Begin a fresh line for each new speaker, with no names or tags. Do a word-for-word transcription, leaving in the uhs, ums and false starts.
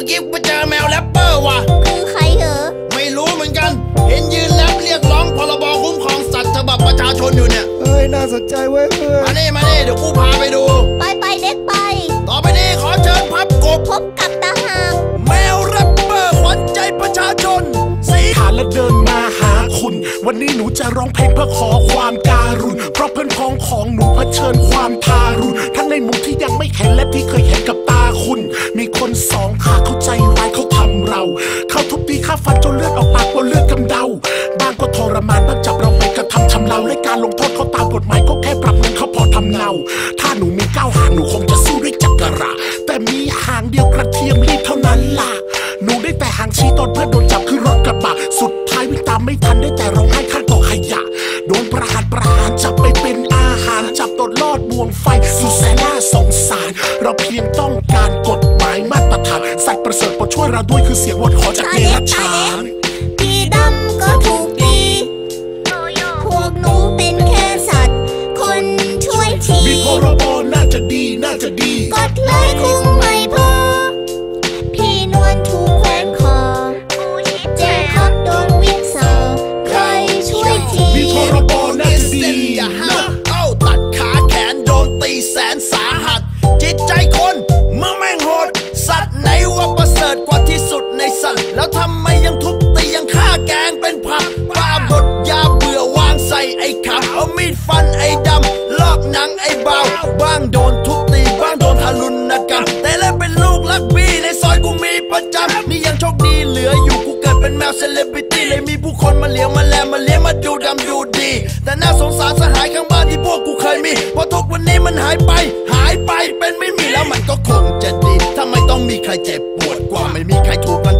อกี้ไปเจอแมวแรปเปอร์ว่ะ
คือใครเหรอ
ไม่รู้เหมือนกันเห็นยืนแรปเรียกร้องพรบคุ้มครองสัตว์ฉบับประชาชนอยู่เนี่ย
เฮ้ยน่าสนใจเว้ยเพื่อน
มาเน่มาเน่เดี๋ยวกูพาไปดู
ไปไปเด็กไป
ต่อไปนี้ขอเชิญพับกบ
พบกับตาหาง
แมวแรปเปอร์ขวัญใจประชาชน
สีหาและเดินมาหาคุณวันนี้หนูจะร้องเพลงเพื่อขอความการุณเพราะเพื่อนพ้องของหนูเผชิญความทารุณทั้งในหมู่ที่ยังไม่เห็นและที่เคยเห็นกับตาคุณมีคนสองขาเข้าใจร้ายเขาทำเราเขาทุบตีฆ่าฟันจนเลือดออกปากบนเลือดกำเดาบางก็ทรมานบางจับเราไปกระทำชำเราและการลงโทษเขาตามกฎหมายก็แค่ปรับเงินเขาพอทำเนาถ้าหนูมีเก้าหางหนูคงจะสู้ด้วยจักระแต่มีหางเดียวกระเทียมรีบเท่านั้นล่ะหนูได้แต่หางชี้ตอนเพื่อนโดนจับคือรถกระบะสุดท้ายวิ่งตามไม่ทันได้แต่ร้องไห้ข้างกองขยะโดนประหารประหารจับไปเป็นอาหารจับตดลอดบ่วงไฟสุดแสนน่าสงสารเราเพียงต้องการกฎหมายมาตรฐานสัตว์ประเสริฐโปรดช่วยเราด้วยคือเสียงวอนขอจากเดรัจฉาน
พี่ดำก็ถูกตีพวกหนูเป็นแค่สัตว์คนช่วยที
มีพรบน่าจะดีน่าจะดี
กฎเลยคงไม่พอพี่นวลถูกแขวนคอเจ๊ครับโดนวิสาใครช่วยที
มีพรบน่าจะดี
อย่าห้ามเอ้าตัดขาแขนโดนตีแสนสาหัสจิตใจคนเมื่อแม่งโหดสัตว์ไหนว่าประเสริฐกว่าที่สุดในสัตว์แล้วทำไมยังทุบตียังฆ่าแกงเป็นผักบ้าบดยาเบื่อวางใส่ไอ้ขับเอามีดฟันไอ้ดำลอกหนังไอ้เบาบ้างโดนทุบตีบ้างโดนทารุณกรรมแต่แล้วเป็นลูกลักบี้ในซอยกูมีประจำนี่ยังโชคดีเหลืออยู่กูเกิดเป็นแมวเซเลบริตี้เลยมีผู้คนมาเลี้ยงมาแลมาเลี้ยงมาดูดำดูดีแต่น่าสงสารสหายข้างบ้านที่พวกกูเคยมีพอทุกวันนี้มันหายไปหายไปเป็นไม่มีแล้วมันก็คงจะดีทำไมต้องมีใครเจ็บปวดกว่าไม่มีใครถูกรัง